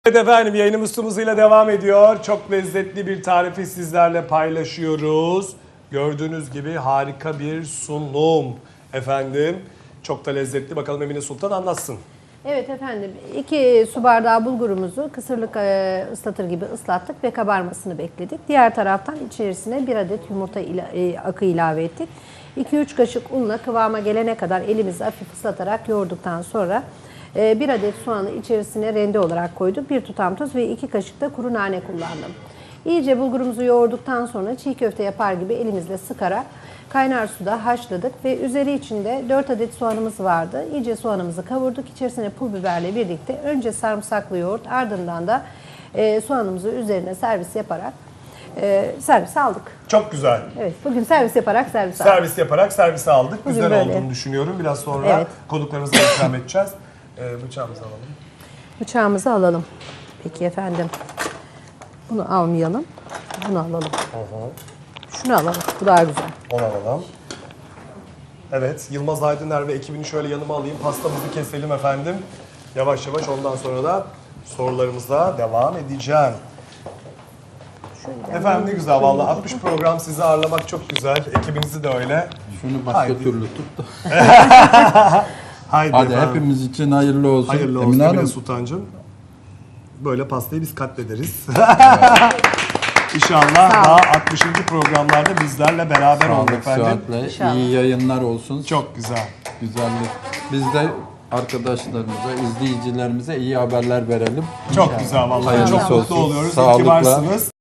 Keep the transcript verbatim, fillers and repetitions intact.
Evet efendim, yayınımız tüm hızıyla devam ediyor. Çok lezzetli bir tarifi sizlerle paylaşıyoruz. Gördüğünüz gibi harika bir sunum efendim. Çok da lezzetli. Bakalım Emine Sultan anlatsın. Evet efendim, iki su bardağı bulgurumuzu kısırlık e, ıslatır gibi ıslattık ve kabarmasını bekledik. Diğer taraftan içerisine bir adet yumurta ila, e, akı ilave ettik. iki üç kaşık unla kıvama gelene kadar elimizi hafif ıslatarak yoğurduktan sonra e, bir adet soğanı içerisine rende olarak koyduk. Bir tutam tuz ve iki kaşık da kuru nane kullandım. İyice bulgurumuzu yoğurduktan sonra çiğ köfte yapar gibi elimizle sıkarak kaynar suda haşladık ve üzeri içinde dört adet soğanımız vardı. İyice soğanımızı kavurduk. İçerisine pul biberle birlikte önce sarımsaklı yoğurt, ardından da e, soğanımızı üzerine servis yaparak e, servis aldık. Çok güzel. Evet, bugün servis yaparak servis aldık. Servis yaparak servise aldık. Bugün Güzel böyle. olduğunu düşünüyorum. Biraz sonra Evet. konuklarımıza ikram edeceğiz. Ee, bıçağımızı alalım. Bıçağımızı alalım. Peki efendim. Bunu almayalım. Bunu alalım. Şunu alalım. Bu daha güzel. Onu alalım. Evet, Yılmaz Aydıner ve ekibini şöyle yanıma alayım. Pastamızı keselim efendim. Yavaş yavaş, ondan sonra da sorularımıza devam edeceğim. Şöyle Efendim ne güzel vallahi. altmış program sizi ağırlamak çok güzel. Ekibinizi de öyle. Şunu başka Haydi. türlü tut da. Haydi, Hadi efendim. hepimiz için hayırlı olsun. Hayırlı olsun Emine Emine Hanım. Sultancığım. Böyle pastayı biz katlederiz. İnşallah Sağ daha olun. altmışıncı programlarda bizlerle beraber olun Sağlık, efendim. sıhhatle, İnşallah. iyi yayınlar olsun. Çok güzel. Güzellik. Biz de arkadaşlarımıza, izleyicilerimize iyi haberler verelim. Çok güzel vallahi. Hayırlısı Çok mutlu olsun. oluyoruz. İyi ki Sağlıkla. varsınız.